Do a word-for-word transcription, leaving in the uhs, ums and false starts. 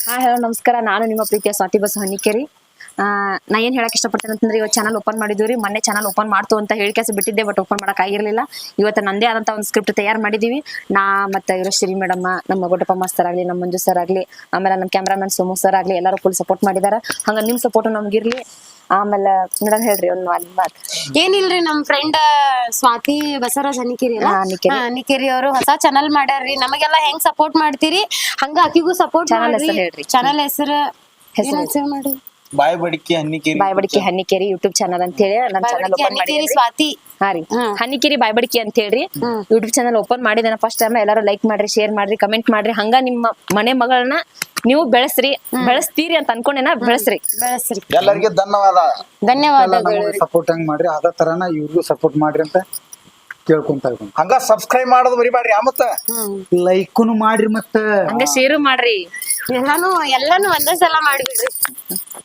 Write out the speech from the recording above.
ಹಾ ಹಲೋ ನಮಸ್ಕಾರ. ನಾನು ನಿಮ್ಮ ಪ್ರೀತಿಯ ಸ್ವಾತಿ ಬಸ್ ಹನಿಕೇರಿ. ಆ ನಾ ಏನ್ ಹೇಳಕ್ ಇಷ್ಟಪಡ್ತೇನೆ ಅಂತಂದ್ರೆ, ಇವತ್ತು ಚಾನಲ್ ಓಪನ್ ಮಾಡಿದ್ವಿ. ಮೊನ್ನೆ ಚಾನಲ್ ಓಪನ್ ಮಾಡ್ತು ಅಂತ ಹೇಳಿ ಕೆಲಸ ಬಿಟ್ಟಿದ್ದೆ, ಬಟ್ ಓಪನ್ ಮಾಡಕ್ ಆಗಿರ್ಲಿಲ್ಲ. ಇವತ್ತು ನಂದೇ ಆದಂತ ಒಂದು ಸ್ಕ್ರಿಪ್ಟ್ ತಯಾರು ಮಾಡಿದೀವಿ. ನಾ ಮತ್ತೆ ಇರೋ ಶ್ರೀ ಮೇಡಮ್, ನಮ್ಮ ಗೊಡ್ಡಪ್ಪ ಮಾಸ್ತರ್ ಆಗ್ಲಿ, ನಮ್ಮ ಮಂಜು ಸರ್ ಆಗ್ಲಿ, ಆಮೇಲೆ ನಮ್ಮ ಕ್ಯಾಮ್ರಾಮನ್ ಸೋಮು ಸರ್ ಆಗ್ಲಿ, ಎಲ್ಲರೂ ಫುಲ್ ಸಪೋರ್ಟ್ ಮಾಡಿದಾರ. ಹಂಗ ನಿಮ್ ಸಪೋರ್ಟ್ ನಮ್ಗಿರ್ಲಿ. ಆಮೇಲೆ ಮೇಡಮ್ ಹೇಳ್ರಿ ಒಂದು ಅಲ್ಲಿ ಮಾತು. ಏನಿಲ್ರಿ, ನಮ್ ಫ್ರೆಂಡ್ ಸ್ವಾತಿ ಬಸವರಾಜ್ ಹನಿಕೇರಿ ಅಲ್ಲ, ಹನಿಕೇರಿ ಅವರು ಹೊಸ ಚಾನಲ್ ಮಾಡ್ಯಾರ್ರಿ. ನಮಗೆಲ್ಲ ಹೆಂಗ್ ಸಪೋರ್ಟ್ ಮಾಡ್ತೀರಿ ಹಂಗ ಆಕಿಗೂ ಸಪೋರ್ಟ್ ಮಾಡ್ರಿ. ಚಾನಲ್ ಹೆಸರು ಹೆಸರು ಮಾಡಿ ಬಾಯ್ ಬಡಿಕೆ ಹನ್ನಿಕೇರಿ ಬಾಯ್ ಬಡಿಕೆ ಹನ್ನಿಕೇರಿ ಯೂಟ್ಯೂಬ್ ಚಾನಲ್ ಅಂತ ಹೇಳಿ ನನ್ನ ಚಾನಲ್ ಓಪನ್ ಮಾಡಿದ್ರಿ. ಸ್ವಾತಿ ಹಾ ರೀ, ಹನ್ನಿಕೇರಿ ಬಾಯ್ ಬಡಿಕೆ ಅಂತ ಹೇಳ್ರಿ ಯೂಟ್ಯೂಬ್ ಚಾನಲ್ ಓಪನ್ ಮಾಡಿದೇನ. ಫಸ್ಟ್ ಟೈಮ್ ಎಲ್ಲರೂ ಲೈಕ್ ಮಾಡ್ರಿ, ಶೇರ್ ಮಾಡ್ರಿ, ಕಮೆಂಟ್ ಮಾಡ್ರಿ. ಹಂಗ ನಿಮ್ಮ ಮನೆ ಮಗಳನ್ನ ನೀವು ಬೆಳೆಸ್ರಿ, ಬೆಳೆಸ್ತೀರಿ ಅಂತ ಅನ್ಕೊಂಡೇನ. ಬೆಳೆಸ್ರಿ ಬೆಳೆಸ್ರಿ. ಎಲ್ಲರಿಗೆ ಧನ್ಯವಾದ ಧನ್ಯವಾದಗಳು. ಸಪೋರ್ಟ್ ಹಂಗ್ ಮಾಡ್ರಿ, ಅದೇ ತರನ ಇವ್ರಿಗೂ ಸಪೋರ್ಟ್ ಮಾಡ್ರಿ ಅಂತ ಕೇಳ್ಕೊಂತ ಇದ್ದೀನಿ. ಹಂಗ ಸಬ್ಸ್ಕ್ರೈಬ್ ಮಾಡೋದು ಮರಿಬೇಡ್ರಿ. ಮತ್ತ ಲೈಕ್ನು ಮಾಡ್ರಿ, ಮತ್ತ ಹಂಗ ಶೇರು ಮಾಡ್ರಿ. ಎಲ್ಲಾನು ಎಲ್ಲಾನು ಒಂದೇ ಸಲ ಮಾಡ್ಬಿಡ್ರಿ.